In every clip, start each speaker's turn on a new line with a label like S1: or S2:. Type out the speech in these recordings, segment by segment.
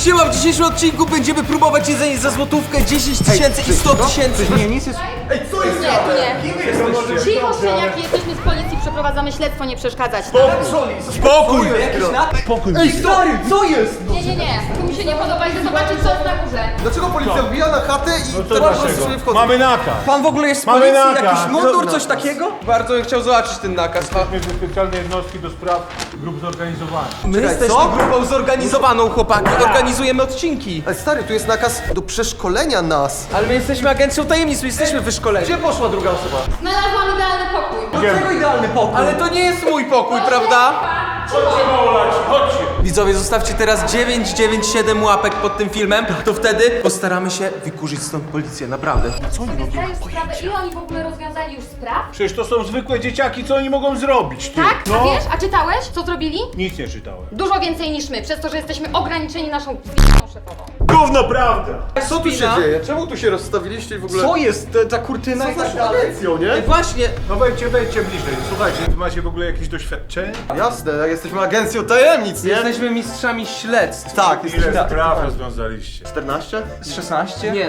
S1: Siema, w dzisiejszym odcinku będziemy próbować jedzenie za złotówkę, 10 tysięcy i 100 tysięcy.
S2: Nie, nic jest...
S3: Ej, co jest?
S4: Nie. Cicho, szczeniaki, jesteśmy z policji, przeprowadzamy śledztwo, nie przeszkadzać.
S1: Spokój!
S2: Spokój. Ej, stary, co jest?
S4: Nie. Tu mi się nie podoba, idę zobaczyć, co jest na górze.
S3: Dlaczego policja wbija na chatę i
S2: No to
S3: teraz
S2: dlaczego?
S3: sobie wchodzą?
S2: Mamy nakaz.
S1: Pan w ogóle jest z
S2: Mamy
S1: policji?
S2: nakaz.
S1: Jakiś mundur, coś takiego? Bardzo bym chciał zobaczyć ten nakaz.
S2: Jesteśmy ze specjalnej jednostki do spraw grup zorganizowanych.
S1: My
S3: Czekaj,
S1: jesteśmy
S3: co?
S1: grupą zorganizowaną, chłopaki. Organizujemy odcinki.
S3: Ej, stary, tu jest nakaz do przeszkolenia nas.
S1: Ale my jesteśmy agencją tajemnic, my jesteśmy wyszkoleni.
S3: Gdzie poszła druga osoba?
S4: Znalazłam idealny pokój.
S2: Idziemy.
S1: idealny pokój? Ale to nie jest mój pokój, prawda?
S2: Chodźcie, małolaci, chodźcie.
S1: Widzowie, zostawcie teraz 997 łapek pod tym filmem, to wtedy postaramy się wykurzyć stąd policję, naprawdę.
S4: Zdajesz sprawę, ile oni w ogóle rozwiązali już spraw?
S2: Przecież to są zwykłe dzieciaki, co oni mogą zrobić, ty?
S4: Tak?
S2: No.
S4: A wiesz? A czytałeś, co zrobili?
S2: Nic nie czytałem.
S4: Dużo więcej niż my, przez to, że jesteśmy ograniczeni naszą z***ą szefową.
S2: Gówno prawda.
S3: Co tu się dzieje? Czemu tu się rozstawiliście i w ogóle...
S1: Co jest? Ta kurtyna i tak dalej?
S3: agencją, nie?
S1: Ej, właśnie,
S2: No wejdźcie bliżej. Słuchajcie, wy macie w ogóle jakieś doświadczenie?
S3: Jasne, jesteśmy agencją tajemnic, nie?
S1: jesteśmy mistrzami śledztw.
S3: Tak,
S2: Ile
S3: jesteśmy...
S2: spraw rozwiązaliście?
S3: 14?
S1: Z 16? Nie,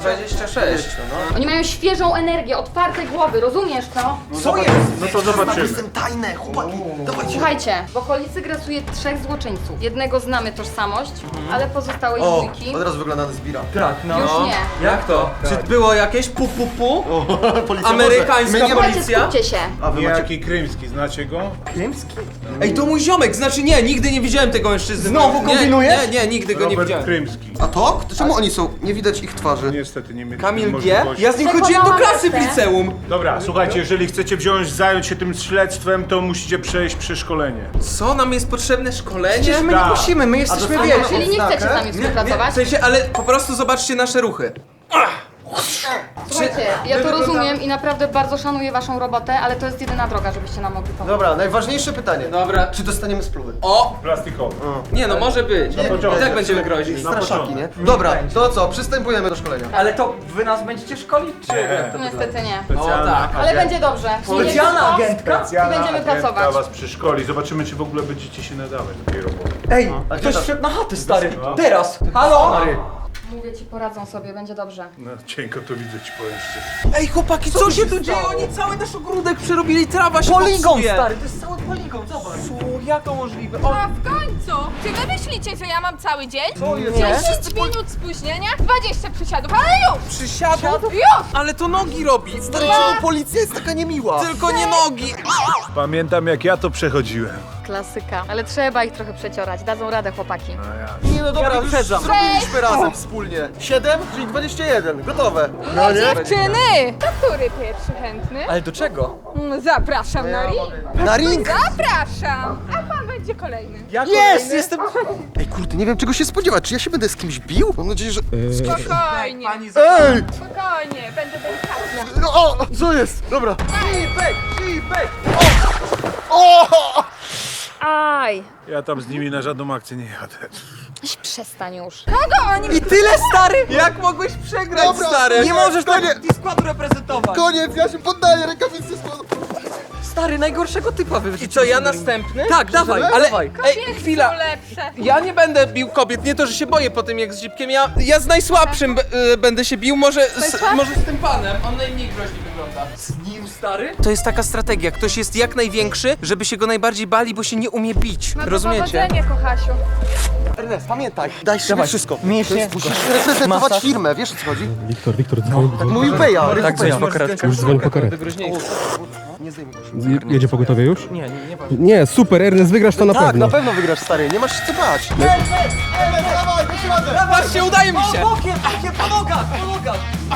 S1: 26.
S4: Oni mają świeżą energię, otwarte głowy, rozumiesz to?
S1: Co jest?
S2: No to zobaczymy.
S3: Jestem tajne, chłopaki. Dawajcie.
S4: Słuchajcie, w okolicy grasuje 3 złoczyńców. Jednego znamy tożsamość, ale pozostałej
S3: O,
S4: dwójki
S3: od razu wygląda na zbira.
S1: Tak, no.
S4: już nie.
S1: Jak to? Czy było jakieś pu?
S3: Policja
S1: Amerykańska
S3: może. My nie ma...
S4: Słuchajcie,
S1: policja?
S4: skupcie się.
S3: A wy macie...
S2: Niejaki Krymski, znacie go?
S1: Krymski? Ej, to mój ziomek, znaczy nie, nigdy nie widziałem tego mężczyzny.
S3: Znowu kombinujesz?
S1: Nie, nigdy go nie
S2: Robert
S1: widziałem.
S2: Krymski.
S3: A to? Czemu oni są? Nie widać ich twarzy.
S2: Niestety nie mieliśmy
S1: Kamil G?
S2: możliwości.
S1: Ja z nim chodziłem do klasy w
S4: Przekonałam
S1: liceum.
S2: Dobra, słuchajcie, jeżeli chcecie zająć się tym śledztwem, to musicie przejść przeszkolenie.
S1: Co, nam jest potrzebne szkolenie?
S3: Przecież my
S2: Tak.
S3: nie musimy, my jesteśmy
S4: A,
S3: wielcy.
S4: czyli nie chcecie z nami
S1: W
S4: współpracować?
S1: sensie, ale po prostu zobaczcie nasze ruchy.
S4: Słuchajcie, ja to rozumiem i naprawdę bardzo szanuję waszą robotę, ale to jest jedyna droga, żebyście nam mogli pomóc.
S3: Dobra, najważniejsze pytanie.
S1: Dobra.
S3: Czy dostaniemy spluwy?
S1: O!
S2: Plastikowy.
S1: Nie no, może być.
S2: początek.
S1: I tak będziemy grozić.
S3: Straszaki, nie? Dobra, to co? Przystępujemy do szkolenia.
S5: Ale to wy nas będziecie szkolić, czy jak to
S4: Niestety nie.
S2: Specjalna
S1: O, tak.
S4: Ale będzie dobrze.
S5: Specjalna agentka?
S2: Specjalna
S4: I będziemy
S2: agentka
S4: pracować.
S2: was przeszkoli. Zobaczymy, czy w ogóle będziecie się nadawać do tej roboty.
S5: Ej,
S3: A
S5: ktoś
S3: gdzie
S5: wszedł na chatę, stary.
S2: No.
S5: Teraz. Halo?
S4: Mówię ci, poradzą sobie, będzie dobrze.
S2: No, cienko to widzę, ci powiem szczerze.
S1: Ej chłopaki, co się tu dzieje? Oni cały nasz ogródek przerobili, trawa się
S5: Poligon,
S1: popsuje.
S5: stary, to jest cały poligon, zobacz.
S1: Co? Jak to możliwe? O,
S6: A w końcu! Czy wy myślicie, że ja mam cały dzień?
S3: Co jest?
S6: 10 minut spóźnienia, 20 przysiadów, ale już!
S1: przysiadł?
S6: Już!
S1: Ale to nogi robi.
S3: Stary, czemu policja jest taka niemiła?
S1: Tylko nie nogi.
S2: Pamiętam, jak ja to przechodziłem.
S4: Klasyka. Ale trzeba ich trochę przeciorać, dadzą radę chłopaki.
S3: Nie no dobra,
S5: wyprzedzam.
S3: zrobiliśmy razem wspólnie. 7, czyli 21. Gotowe.
S6: No dziewczyny! To który pierwszy chętny?
S5: Ale do czego?
S6: Zapraszam na ring!
S3: Na ring!
S6: Zapraszam! A pan będzie kolejny.
S3: Jest! Jestem... Ej kurde, nie wiem czego się spodziewać. Czy ja się będę z kimś bił? Mam nadzieję, że...
S6: Spokojnie,
S3: Ej!
S6: spokojnie, będę delikatna.
S3: No, o! Co jest? Dobra.
S4: Aj!
S2: Ja tam z nimi na żadną akcję nie jadę.
S4: Przestań już.
S6: Kogo oni...
S5: I tyle, stary!
S1: Jak mogłeś przegrać,
S3: Dobra,
S1: stary?
S5: Nie możesz
S3: Koniec.
S5: tak składu reprezentować!
S3: Koniec, ja się poddaję, rękawice składam.
S5: Stary, najgorszego typa
S1: I
S5: wyrzuciłeś.
S1: co, ja następny?
S5: Tak, dawaj,
S1: Ale,
S5: dawaj.
S1: ej, chwila.
S6: są lepsze.
S1: Ja nie będę bił kobiet, nie to, że się boję po tym jak z Zipkiem, ja z najsłabszym będę się bił, może z tym panem, on najmniej groźnie wygląda.
S5: Z nim, stary?
S1: To jest taka strategia, ktoś jest jak największy, żeby się go najbardziej bali, bo się nie umie bić,
S6: No to
S1: rozumiecie?
S6: powodzenia, kochasiu.
S5: Ernest, pamiętaj.
S3: Daj sobie
S5: Dawaj,
S3: wszystko.
S5: mięśnie.
S3: Musisz reprezentować
S5: Masaż.
S3: firmę, wiesz o co chodzi?
S7: Wiktor, dzwoń.
S3: Tak mówił Beja.
S5: Tak, dzwoń po karetkę.
S7: Już dzwoń po karetkę.
S3: Nie zdejmuj go.
S7: Jedzie pogotowie już?
S5: Nie.
S7: Nie, super, Ernest, wygrasz to na
S3: Tak,
S7: pewno.
S3: na pewno wygrasz, stary. Nie masz się co bać.
S1: Patrzcie, udaje mi się!
S5: Bokiem, po nogach, po nogach.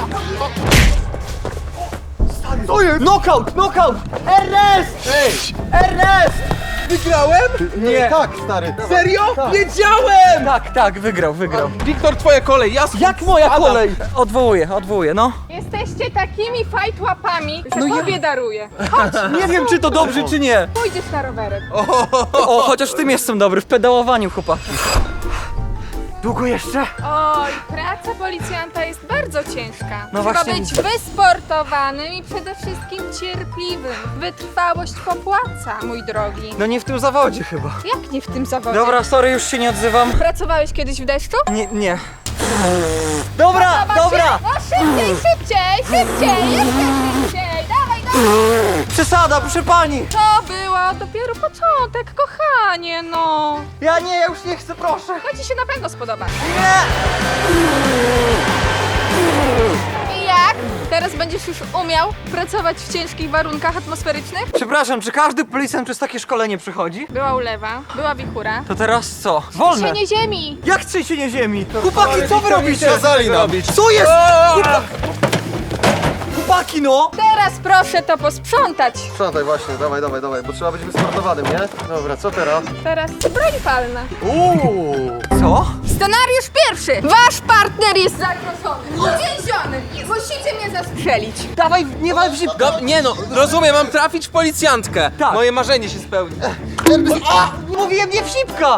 S3: To jest!
S5: Knockout, knockout! Ernest! Ernest!
S1: Wygrałem?
S5: Nie.
S3: Tak, stary.
S1: Serio? Wiedziałem!
S5: Tak, wygrał.
S1: Wiktor, twoja kolej, ja
S5: Jak moja kolej? Odwołuję, no.
S6: Jesteście takimi fajtłapami, że
S5: No ja-
S6: tobie daruję.
S5: Nie wiem, czy to dobrze, czy nie.
S6: Pójdziesz na rowerek.
S5: O, chociaż w tym jestem dobry, w pedałowaniu, chłopaki. Długo jeszcze?
S6: Oj, praca policjanta jest bardzo ciężka.
S5: No
S6: Trzeba
S5: właśnie
S6: być
S5: widzę.
S6: wysportowanym i przede wszystkim cierpliwym. Wytrwałość popłaca, mój drogi.
S5: No nie w tym zawodzie chyba.
S6: Jak nie w tym zawodzie?
S5: Dobra, sorry, już się nie odzywam.
S6: Pracowałeś kiedyś w deszczu?
S5: Nie. Dobra,
S6: Podoba
S5: dobra!
S6: się? No szybciej, jeszcze szybciej! Dawaj!
S5: Przesada, proszę pani!
S6: To było dopiero początek, kochanie, no.
S5: Ja już nie chcę, proszę!
S6: To ci się na pewno spodoba.
S5: Nie!
S6: I jak? Teraz będziesz już umiał pracować w ciężkich warunkach atmosferycznych?
S5: Przepraszam, czy każdy policjant przez takie szkolenie przychodzi?
S6: Była ulewa, była wichura.
S5: To teraz co? Wolne!
S6: Trzęsienie ziemi!
S5: Jak trzęsienie ziemi? Chłopaki, co wy robicie?
S3: Kazali nam.
S5: Co jest? Chłopaki, no!
S6: Teraz proszę to posprzątać.
S3: Sprzątaj właśnie, dawaj, bo trzeba być wysportowanym, nie? Dobra, co teraz?
S6: Teraz broń palna.
S5: Co?
S6: Scenariusz pierwszy. Wasz partner jest zagrożony. Uwięziony. Musicie mnie zastrzelić.
S5: Dawaj, nie wal w zip...
S1: Nie no, rozumiem, mam trafić w policjantkę.
S5: Tak.
S1: Moje marzenie się spełni.
S5: Mówiłem nie w zipka!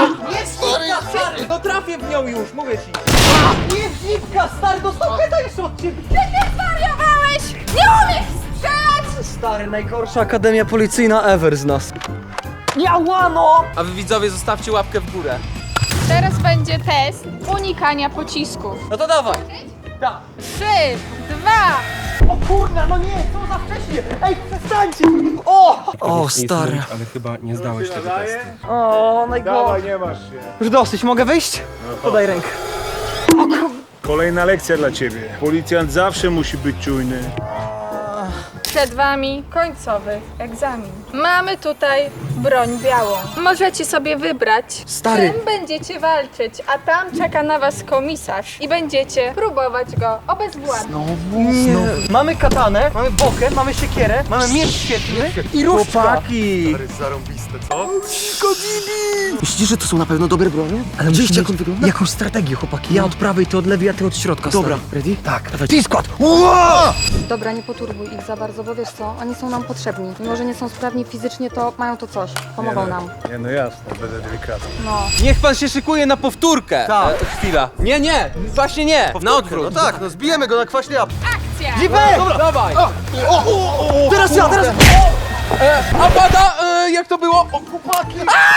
S1: No trafię w nią już, mówię ci.
S5: Nie w zipka, stary, dostał heta jeszcze od ciebie!
S6: Ty nie zwariowałeś! Nie umiesz strzelać!
S5: Stary, najgorsza akademia policyjna ever z nas. Jałano!
S1: A wy widzowie zostawcie łapkę w górę.
S6: Teraz będzie test unikania pocisków.
S5: No to dawaj!
S6: 3, 2.
S5: O kurna, no nie, co za wcześnie! Ej, przestańcie! O, stary.
S7: Ale chyba nie zdałeś tego testu.
S5: O, najgorzej.
S2: Dawaj, nie masz się.
S5: Już dosyć, mogę wyjść? Podaj rękę.
S2: Kolejna lekcja dla ciebie. Policjant zawsze musi być czujny.
S6: Przed wami końcowy egzamin. Mamy tutaj broń białą. Możecie sobie wybrać,
S5: Stary.
S6: czym będziecie walczyć, a tam czeka na was komisarz i będziecie próbować go obezwładnić.
S5: Nie. Mamy katanę, mamy bokę, mamy siekierę, mamy miecz świetny i różdżka.
S3: Chłopaki! Zarąbiste, co? Myślisz, że to są na pewno dobre bronie? Ale widzieliście, jak on wygląda?
S5: Jakąś strategię, chłopaki. Ja od prawej, ty od lewej, a ty od środka.
S3: Dobra,
S5: stary.
S3: ready? Tak. Dawaj.
S5: T-skład!
S4: Dobra, nie poturbuj ich za bardzo, bo wiesz co, oni są nam potrzebni. Mimo, że nie są sprawni fizycznie, to mają to coś. Pomogą nam.
S2: Nie, no jasne, będę delikatny.
S4: No.
S1: Niech pan się szykuje na powtórkę.
S5: Tak.
S1: Chwila. Nie, właśnie nie. Na odwrót.
S3: No tak, no zbijemy go na kwaśnie jabłka.
S6: Akcja!
S5: Zipek!
S1: Dawaj.
S5: Teraz ja, teraz...
S1: A pada, jak to było? O, chłopaki.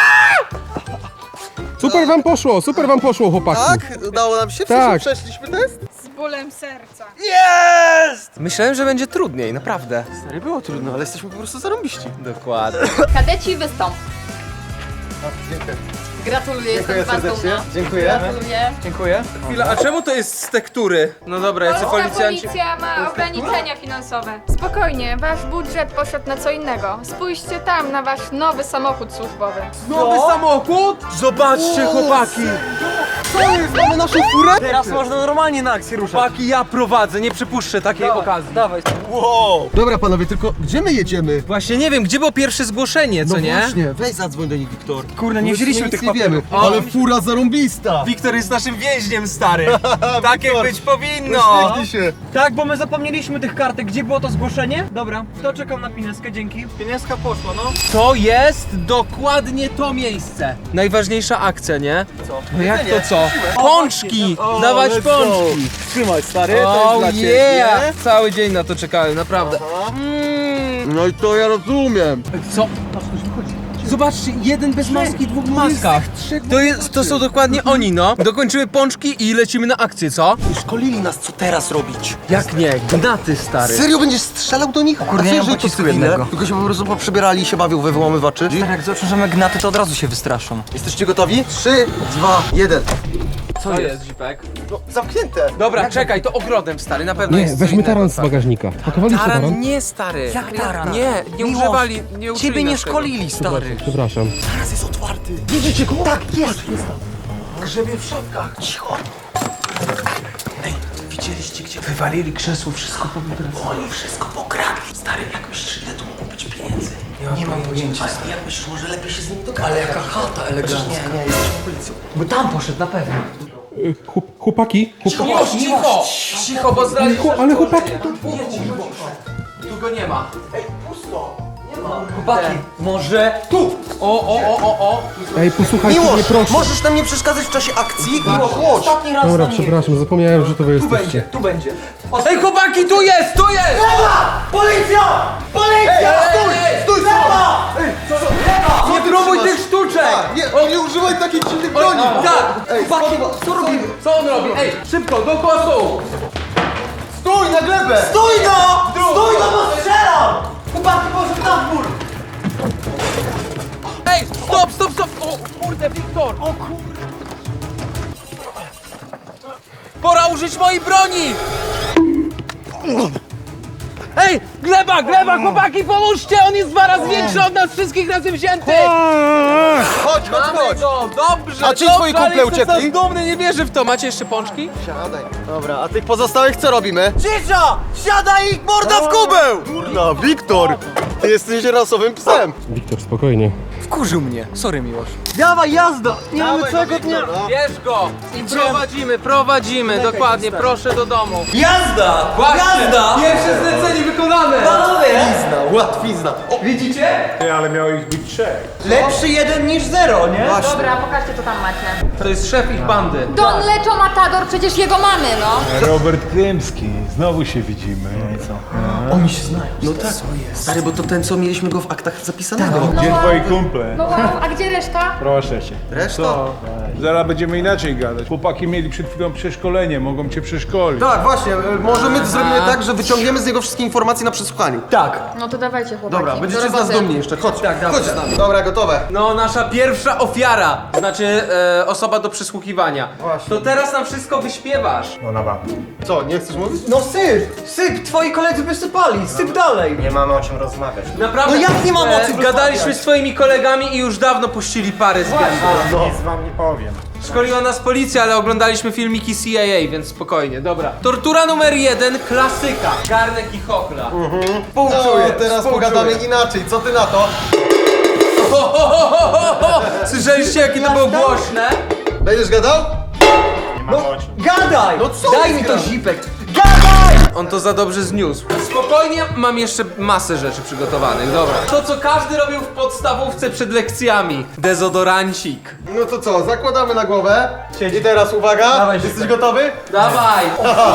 S7: Super wam poszło, chłopaki.
S3: Tak? Udało nam się? W
S7: Tak.
S3: sensie przeszliśmy test?
S6: Z bólem serca.
S5: Jest!
S1: Myślałem, że będzie trudniej, naprawdę.
S3: Stary, było trudno, ale jesteśmy po prostu zarąbiści.
S1: Dokładnie.
S4: Kadeci, wystąp.
S3: Dziękuję.
S4: Gratuluję, jestem
S3: Dziękuję
S4: z was
S3: serdecznie.
S4: dumna.
S3: Dziękuję.
S4: Gratuluję.
S5: Dziękuję.
S1: Chwila, a czemu to jest z tektury? No dobra, jacy
S6: Polska
S1: policjanci...
S6: policja ma ograniczenia finansowe. Spokojnie, wasz budżet poszedł na co innego. Spójrzcie tam na wasz nowy samochód służbowy.
S1: Nowy samochód? Zobaczcie, chłopaki.
S3: Co jest? Mamy naszą furę?
S5: Teraz można normalnie na akcję ruszać.
S1: Chłopaki, ja prowadzę, nie przypuszczę takiej okazji.
S5: Dawaj.
S3: Dobra panowie, tylko gdzie my jedziemy?
S1: Właśnie nie wiem, gdzie było pierwsze zgłoszenie, co nie?
S3: Właśnie, weź zadzwoń do nich, Wiktor.
S5: Kurde, nie wzięliśmy tych
S3: nie wiemy,
S1: O.
S3: ale fura zarąbista.
S1: Wiktor jest naszym więźniem, stary. Tak jak być powinno.
S3: Uśmiechnij się.
S5: Tak, bo my zapomnieliśmy tych kartek. Gdzie było to zgłoszenie? Dobra, to czekam na pineskę, dzięki. Pineska poszła, no.
S1: To jest dokładnie to miejsce. Najważniejsza akcja, nie?
S5: Co?
S1: No jak to co? Pączki! Dawać pączki!
S5: Trzymaj, stary,
S1: Oh yeah! Cały dzień na to czekałem, naprawdę.
S3: No i to ja rozumiem.
S1: Co? Zobaczcie, jeden bez maski, dwóch w maskach. To są dokładnie oni, no. Dokończymy pączki i lecimy na akcję, co?
S3: Szkolili nas, co teraz robić.
S1: Jak nie? Gnaty, stary.
S3: Serio będziesz strzelał do nich?
S5: Kurde,
S3: A
S5: nie
S3: co,
S5: mam
S3: jeżeli to
S5: pocisku
S3: cywile?
S5: jednego.
S3: Tylko się po prostu poprzebierali i się bawią we wyłamywaczy.
S5: Jak zobaczą, że my gnaty, to od razu się wystraszą.
S3: Jesteście gotowi? 3, 2, 1.
S1: Co jest, Zipek?
S3: No, zamknięte.
S1: Dobra, czekaj, to ogrodem, stary, na pewno
S7: Nie,
S1: jest co
S7: weźmy
S1: innego.
S7: taran z bagażnika. Pakowaliście
S1: Taran
S7: taran?
S1: nie, stary.
S5: Jak taran?
S1: Nie, nie
S5: Miłosz,
S1: używali, nie uczyli
S5: Ciebie nie
S1: nas tego.
S5: szkolili, stary.
S7: Przepraszam.
S3: Teraz jest otwarty.
S5: Widzicie go? Tak, jest.
S3: Grzebie w środkach. Cicho. Ej, widzieliście, gdzie wywalili krzesło, wszystko powybrali. Oni wszystko pokradli. Stary, jak myślisz, ile tu mogło być pieniędzy? Nie mam pojęcia. Ale jak myślisz, może lepiej się z nimi dogadać?
S5: Ale jaka chata elegancka.
S3: Nie, jesteśmy policją.
S5: Bo tam poszedł na pewno.
S7: Chłopaki?
S1: Cicho, bo zdradzisz.
S7: Ale chłopaki...
S1: Tu go nie ma.
S3: Ej, pusto.
S5: Chłopaki, może tu!
S1: O.
S7: Ej, posłuchajcie mnie proszę.
S3: możesz nam nie przeszkadzać w czasie akcji? Chodź.
S5: Ostatni raz
S7: Dobra,
S5: na niej.
S7: przepraszam, zapomniałem, że to wy
S5: Tu
S7: jesteście.
S5: będzie, tu będzie.
S1: Ej, chłopaki, tu jest!
S5: Policja! Policja!
S1: Stój! Nie próbuj tych sztuczek!
S3: Nie używaj takich dziwnych broni!
S1: Tak!
S5: Chłopaki, co robimy?
S1: Co on robi? Ej, szybko, dookoła stołu!
S3: Stój na glebę!
S5: Stój no! Stój no, bo strzelam! Chłopaki, poszedł na dwór!
S1: Ej, stop! O kurde, Wiktor! O kurde! Pora użyć mojej broni! Ej, gleba, chłopaki, pomóżcie! On jest 2 razy większy od nas wszystkich razem wzięty!
S3: Chodź!
S1: Mamy go, dobrze,
S3: A ci
S1: dobrze,
S3: twoi kumple
S1: ale jestem
S3: uciekli?
S1: dumny, nie wierzę w to. Macie jeszcze pączki?
S3: Siadaj. Dobra, a tych pozostałych co robimy?
S5: Cisza! Siadaj ich morda w kubeł!
S3: Kurna, Wiktor! Ty jesteś rasowym psem!
S7: Wiktor, spokojnie.
S5: Wkurzył mnie. Sorry, Miłosz. Dawaj, jazda! Nie mamy całego dnia.
S1: Bierz go i prowadzimy, dokładnie, proszę do domu.
S5: Jazda!
S1: Właśnie,
S5: Jazda!
S1: pierwsze zlecenie wykonane!
S5: Panowie!
S3: Łatwizna!
S5: Widzicie?
S2: Ty, ale miało ich być 3.
S5: Lepszy 1 niż 0, nie?
S4: Dobra, pokażcie co tam macie.
S1: To jest szef ich bandy.
S4: Don Leczo Matador, przecież jego mamy, no.
S2: Robert Krymski, znowu się widzimy. No i co?
S5: Oni się znają.
S3: No tak, stary, bo to ten, co mieliśmy go w aktach zapisanego.
S2: Gdzie twoi kumple?
S4: No wow, a gdzie reszta?
S2: Proszę cię.
S3: Reszta?
S2: Zaraz będziemy inaczej gadać. Chłopaki mieli przed chwilą przeszkolenie, mogą cię przeszkolić.
S3: Tak, właśnie, może my zrobimy tak, że wyciągniemy z niego wszystkie informacje na przesłuchaniu.
S5: Tak.
S4: No to dawajcie chłopaki.
S3: Dobra, będziecie
S4: do
S3: z nas
S4: roboty.
S3: dumni jeszcze, chodź.
S5: Tak, dawaj,
S3: chodź z nami. Dobra, gotowe.
S1: No, nasza pierwsza ofiara, znaczy osoba do przesłuchiwania.
S3: Właśnie.
S1: To teraz nam wszystko wyśpiewasz.
S2: No na bank.
S3: Co, nie chcesz mówić?
S5: No syp! Twoi koledzy by sypali, syp dalej!
S3: Nie mamy o czym rozmawiać.
S1: Naprawdę.
S5: No jak nie mamy o czym
S1: Gadaliśmy
S5: rozmawiać?
S1: z twoimi kolegami i już dawno puścili parę z gęby.
S2: Nic wam nie powiem.
S1: Szkoliła nas policja, ale oglądaliśmy filmiki CIA, więc spokojnie, dobra. Tortura numer 1, klasyka. Garnek i chochla.
S3: No, teraz pogadamy inaczej, co ty na to?
S1: Słyszeliście, jakie to było głośne?
S3: Będziesz gadał?
S5: Gadaj!
S3: No co
S5: Daj
S3: jest
S5: mi to
S3: grane?
S5: zipek! Gadaj!
S1: On to za dobrze zniósł. Spokojnie, mam jeszcze masę rzeczy przygotowanych, dobra. To, co każdy robił w podstawówce przed lekcjami. Dezodorancik.
S3: No to co, zakładamy na głowę. I teraz uwaga,
S5: Dawaj,
S3: jesteś
S5: Zipek.
S3: gotowy?
S1: Dawaj!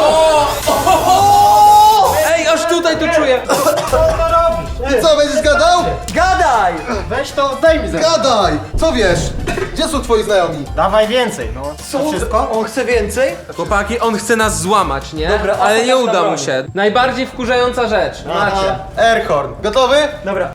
S1: Ej, aż tutaj to czuję.
S3: I co, będziesz gadał?
S5: Gadaj!
S3: Weź to, zdejmij ze Gadaj! Co wiesz? Gdzie są twoi znajomi?
S8: Dawaj więcej, no.
S5: Co? Wszystko? On chce więcej?
S1: Chłopaki, on chce nas złamać, nie?
S5: Dobra, a
S1: ale nie
S5: pokaż na
S1: uda mu
S5: broni.
S1: się. Najbardziej wkurzająca rzecz. Macie.
S3: Airhorn. Gotowy?
S5: Dobra.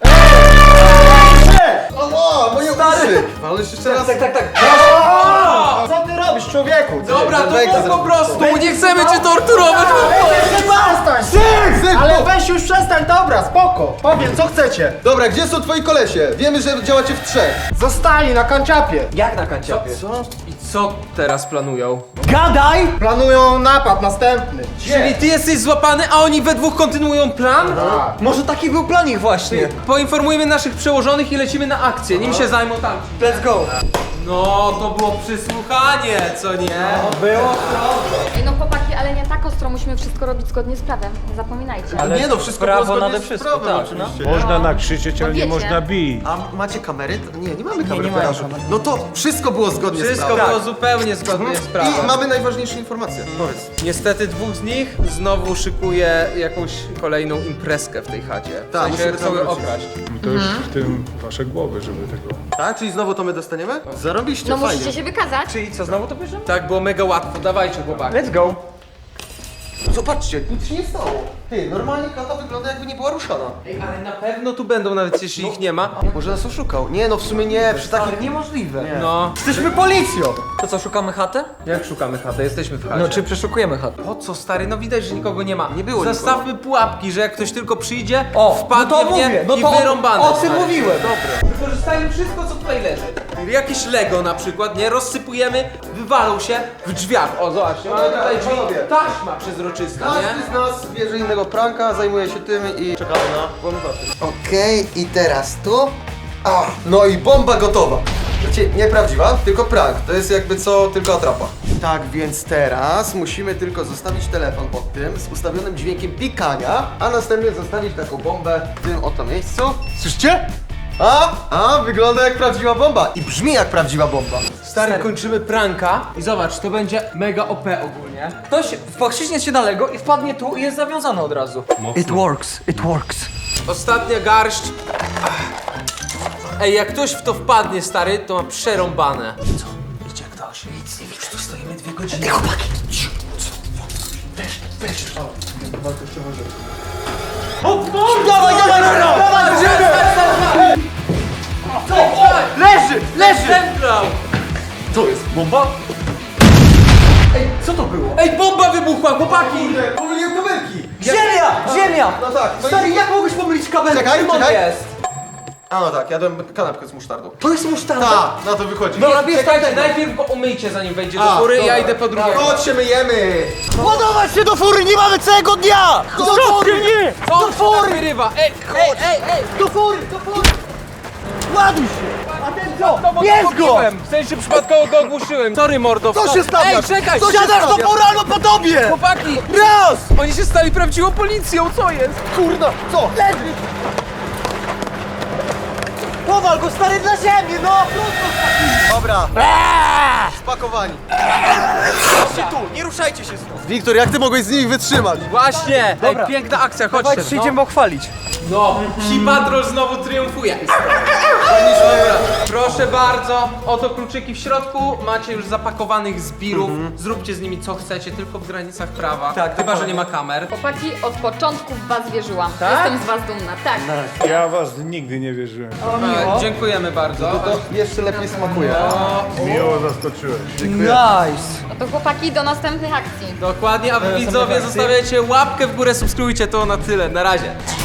S3: Ała, moje uszy! Ale jeszcze raz.
S5: Tak.
S8: Co ty robisz, człowieku?
S1: Dobra, to
S3: Wejdę
S1: mów po
S3: zaraz.
S1: prostu, nie chcemy cię torturować.
S8: Przestań!
S3: Syk!
S8: Ale weź już przestań, dobra, spoko. Powiem, co chcecie.
S3: Dobra, gdzie są twoi kolesie? Wiemy, że działacie w trzech.
S8: Zostali na kanciapie.
S5: Jak na kanciapie?
S1: I co teraz planują?
S5: Gadaj!
S8: Planują napad następny.
S1: Czyli ty jesteś złapany, a oni we dwóch kontynuują plan?
S5: Może taki był plan ich właśnie.
S1: Poinformujemy naszych przełożonych i lecimy na akcję, nim się zajmą tamci.
S5: Let's go!
S1: No, to było przysłuchanie, co nie?
S5: Było?
S4: Ej, no chłopaki, ale nie tak ostro, musimy wszystko robić zgodnie z prawem. Nie zapominajcie.
S5: Ale
S3: Nie no, wszystko
S5: prawo
S3: było zgodnie
S5: nade
S3: z
S5: wszystko,
S3: prawem,
S5: tak,
S3: oczywiście.
S2: Można nakrzyczeć, ale nie
S4: wiecie.
S2: można bić.
S3: A macie kamery? Nie mamy kamery
S5: nie
S3: w
S5: mają
S3: garażu. No to wszystko było zgodnie z
S1: Wszystko
S3: prawem.
S1: było zupełnie zgodnie z prawem.
S3: I mamy najważniejsze informacje. Powiedz.
S1: Niestety dwóch z nich znowu szykuje jakąś kolejną imprezkę w tej chacie. W
S3: Tak,
S1: sensie
S3: musimy
S1: chcą
S3: tam
S1: ją
S3: wrócić.
S1: okraść.
S2: To już w tym wasze głowy, żeby tego...
S3: Tak? Czyli znowu to my dostaniemy? Zarobiście,
S4: No
S3: fajnie.
S4: musicie się wykazać.
S5: Czyli co, znowu to bierzemy?
S1: Tak, było mega łatwo, dawajcie chłopaki.
S5: Let's go!
S3: Zobaczcie, nic się nie stało. Ty, normalnie klata wygląda jakby nie była ruszana.
S1: Ej, ale na pewno tu będą, nawet jeśli ich nie ma.
S3: Może nas oszukał. Nie no, w sumie nie, przy takim...
S5: Ale niemożliwe.
S1: No,
S5: Jesteśmy policją! To co, szukamy chatę?
S1: jak szukamy chatę? Jesteśmy w chacie.
S5: No czy przeszukujemy chatę?
S1: Po co, stary? No widać, że nikogo nie ma.
S3: Nie było
S1: Zastawmy pułapki, że jak ktoś tylko przyjdzie,
S5: O,
S1: wpadnie
S5: no to
S1: w nie
S5: mówię, no
S1: i
S5: to
S1: wyrąbane.
S5: o tym
S1: stary.
S5: mówiłem.
S1: Dobra. Wykorzystajmy wszystko, co tutaj leży. Jakieś Lego na przykład, nie? Rozsypujemy, wywalą się w drzwiach. O, zobaczcie, mamy
S3: dobra,
S1: tutaj drzwi.
S3: panowie.
S1: Taśma przezroczysta, nie?
S3: Każdy z nas bierze innego pranka, zajmuje się tym i czekamy na włamywaczy. Okej, i teraz tu. No i bomba gotowa.
S9: Słuchajcie, nieprawdziwa, tylko prank. To jest jakby co, tylko atrapa. Tak, więc teraz musimy tylko zostawić telefon pod tym z ustawionym dźwiękiem pikania, a następnie zostawić taką bombę w tym oto miejscu. Słyszycie? Wygląda jak prawdziwa bomba i brzmi jak prawdziwa bomba.
S1: Stary, kończymy pranka i zobacz, to będzie mega OP ogólnie.
S5: Ktoś wciśnie się na Lego i wpadnie tu i jest zawiązany od razu. It works, it works.
S1: Ostatnia garść. Ej, jak ktoś w to wpadnie, stary, to ma przerąbane.
S3: Idzie ktoś. Nic nie widać, stoimy 2 godziny. Ej, chłopaki!
S1: Zemdlał!
S5: Co jest, bomba? Ej, co to było?
S1: Ej, bomba wybuchła, chłopaki!
S9: Pomyliłem kabelki!
S5: Ziemia!
S9: No tak, no
S5: Stary, jak mogłeś pomylić kabelki?
S9: Czekaj,
S5: Czym on
S9: czekaj.
S5: jest?
S9: no tak, jadłem kanapkę z musztardą.
S5: To jest musztarda?
S9: Tak, na to wychodzi.
S5: Dobra, bierz
S1: Czekajcie,
S5: tamtego.
S1: najpierw go umyjcie, zanim wejdzie do fury, ja idę po drugie.
S9: Chodź się myjemy!
S8: Ładować się do fury, nie mamy całego dnia! Do fury! Nie!
S1: Co on fury wyrywa? Ej,
S8: Do fury! Ładuj się! A ten co?
S1: no
S8: Bierz go!
S1: w sensie przypadkowo go ogłuszyłem. Sorry, mordo.
S9: Co się stawia?
S1: Ej, czekaj,
S9: Co się
S8: Siadasz do
S9: stawia?
S8: fury albo po tobie!
S1: chłopaki!
S8: Raz!
S1: Oni się stali prawdziwą policją, co jest?
S9: Kurna, co?
S8: Leży! Powal go, stary, dla ziemi, no!
S9: Dobra. Spakowani.
S8: Chodźcie tu, nie ruszajcie się stąd!
S9: Wiktor, jak ty mogłeś z nimi wytrzymać?
S1: Właśnie!
S5: Dobra.
S1: Ej, piękna akcja, chodźcie.
S5: Dawajcie, idziemy pochwalić.
S1: No, Psi Patrol znowu triumfuje. Dobra, proszę bardzo, oto kluczyki w środku, macie już zapakowanych zbirów, zróbcie z nimi co chcecie, tylko w granicach prawa,
S5: Tak,
S1: chyba, że
S5: dokładnie.
S1: nie ma kamer.
S4: Chłopaki, od początku w was wierzyłam.
S1: Tak?
S4: Jestem z was dumna, tak.
S2: Ja was nigdy nie wierzyłem.
S1: Dziękujemy bardzo.
S9: To jeszcze lepiej smakuje.
S2: Miło zaskoczyłeś.
S5: Nice.
S4: No to chłopaki, do następnych akcji.
S1: Dokładnie, a wy widzowie zostawiajcie łapkę w górę, subskrybujcie to na tyle, na razie.